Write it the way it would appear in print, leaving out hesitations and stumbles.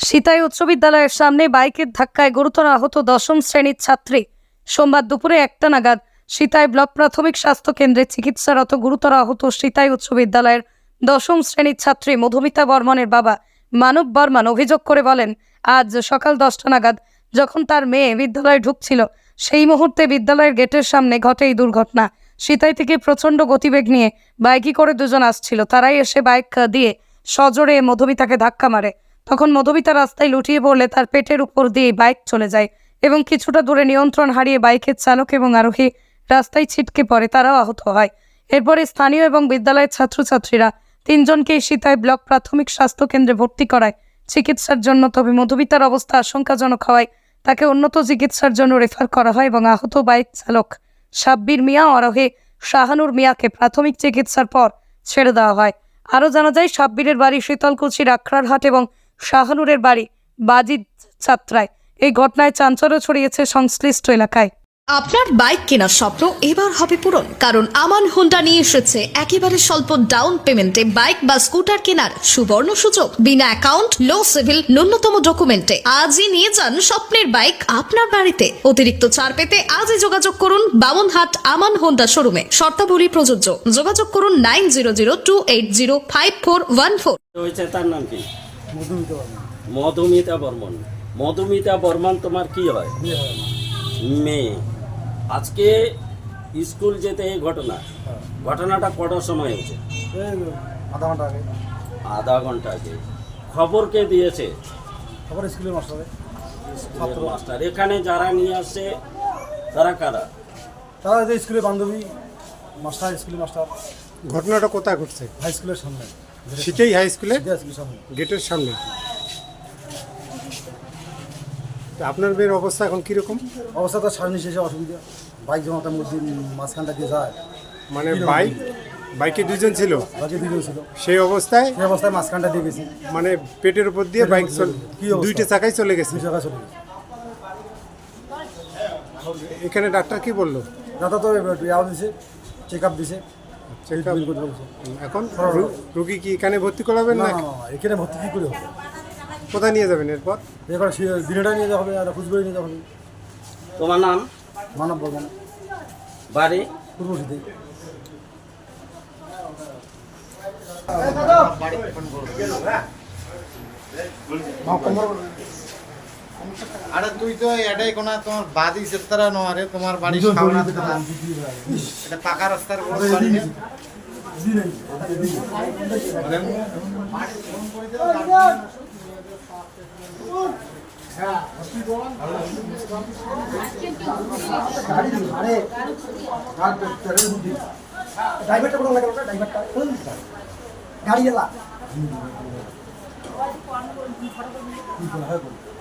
সিতাই উচ্চ বিদ্যালয়ের সামনে বাইকের ধাক্কায় গুরুতর আহত দশম শ্রেণীর ছাত্রী। সোমবার দুপুরে 1টা নাগাদ সিতাই ব্লক প্রাথমিক স্বাস্থ্য কেন্দ্রে চিকিৎসারত গুরুতর আহত সিতাই উচ্চ বিদ্যালয়ের দশম শ্রেণীর ছাত্রী মধুমিতা বর্মনের বাবা মানব বর্মন অভিযোগ করে বলেন, আজ সকাল 10টা নাগাদ যখন তার মেয়ে বিদ্যালয়ে ঢুকছিল সেই মুহূর্তে বিদ্যালয়ের গেটের সামনে ঘটে এই দুর্ঘটনা। সিতাই থেকে প্রচণ্ড গতিবেগ নিয়ে বাইকে করে দুজন আসছিল। তারাই এসে বাইক দিয়ে সজোরে মধুমিতাকে ধাক্কা মারে। তখন মধুমিতা রাস্তায় লুটিয়ে পড়লে তার পেটের উপর দিয়ে বাইক চলে যায় এবং কিছুটা দূরে নিয়ন্ত্রণ হারিয়ে বাইকের চালক এবং আরোহী রাস্তায় ছিটকে পড়ে, তারাও আহত হয়। এরপরে স্থানীয় এবং বিদ্যালয়ের ছাত্রছাত্রীরা তিনজনকেই সিতাই ব্লক প্রাথমিক স্বাস্থ্য কেন্দ্রে ভর্তি করায় চিকিৎসার জন্য। তবে মধুমিতার অবস্থা আশঙ্কাজনক হওয়ায় তাকে উন্নত চিকিৎসার জন্য রেফার করা হয় এবং আহত বাইক চালক সাব্বির মিয়া ও আরোহী শাহানুর মিয়াকে প্রাথমিক চিকিৎসার পর ছেড়ে দেওয়া হয়। আরও জানা যায়, সাব্বিরের বাড়ি শীতলকুচির আখড়ারহাট এবং শাহানুরের বাড়ি বাজিদ যাত্রায়। এই ঘটনায় চাঞ্চল্য ছড়িয়েছে সংশ্লিষ্ট এলাকায়। আপনার বাইক কেনার স্বপ্ন এবার হবে পূরণ, কারণ আমান হোন্ডা নিয়ে এসেছে একেবারে স্বল্প ডাউন পেমেন্টে বাইক বা স্কুটার কেনার সুবর্ণ সুযোগ। বিনা অ্যাকাউন্ট, লো সিভিল, ন্যূনতম ডকুমেন্টে আজই নিয়ে যান স্বপ্নের বাইক আপনার বাড়িতে। অতিরিক্ত ছাড় পেতে আজই যোগাযোগ করুন বামনহাট আমান হোন্ডা শোরুমে। শর্তাবলী প্রযোজ্য। যোগাযোগ করুন 9002805414। তার নাম কি? মধুমিতা বর্মন। মধুমিতা বর্মন তোমার কি হয়? মেয়ে। আজকে স্কুল যেতে এই ঘটনাটা কটার সময় হয়েছে? আধা ঘন্টা আগে। খবর কে দিয়েছে? খবর স্কুলের মাস্টার। এখানে যারা নিয়ে আসছে তারা কারা? তারা যে স্কুলের বান্ধবী মাস্টার, স্কুলের মাস্টার। ঘটনাটা কোথায় ঘটছে? হাই স্কুলের সামনে, সিতাই হাই স্কুলে সামনে, গেটের সামনে। আপনার মেয়ের অবস্থা এখন কিরকম? অবস্থা তো সামনে শেষে অসুবিধা। বাইক যেমন তার মধ্যে মাঝখানটা দিয়ে যায়, মানে বাইকে দুজন ছিল, বাইকে দুজন ছিল, সেই অবস্থায় মাঝখানটা দিয়ে গেছি, মানে পেটের উপর দিয়ে বাইক দুইটা চাকায় চলে গেছে। দুই জায়গায় চলে গেছে। এখানে ডাক্তার কি বললো? দাদা তো ইয়াও দিছে, চেক আপ দিছে। এখন রুগী কি এখানে ভর্তি করাবেন না না? না, এখানে ভর্তি কী করে হবে? কোথায় নিয়ে যাবেন এরপর? এবার দিনেটা নিয়ে যাওয়া হবে আর কুচবিহারে নিয়ে যাওয়া হবে। তোমার নাম? মানব বর্মন। বাড়ি? পূর্ব সিতাই। আরে তুই তো এটাই কোনা তোমার বাদি সেতারা নরে তোমার বাড়ি সামনে এটা পাকা রাস্তার বড় বাড়ি না। ড্রাইভারটা কোথাও লাগে? ড্রাইভারটা গাড়ি এলা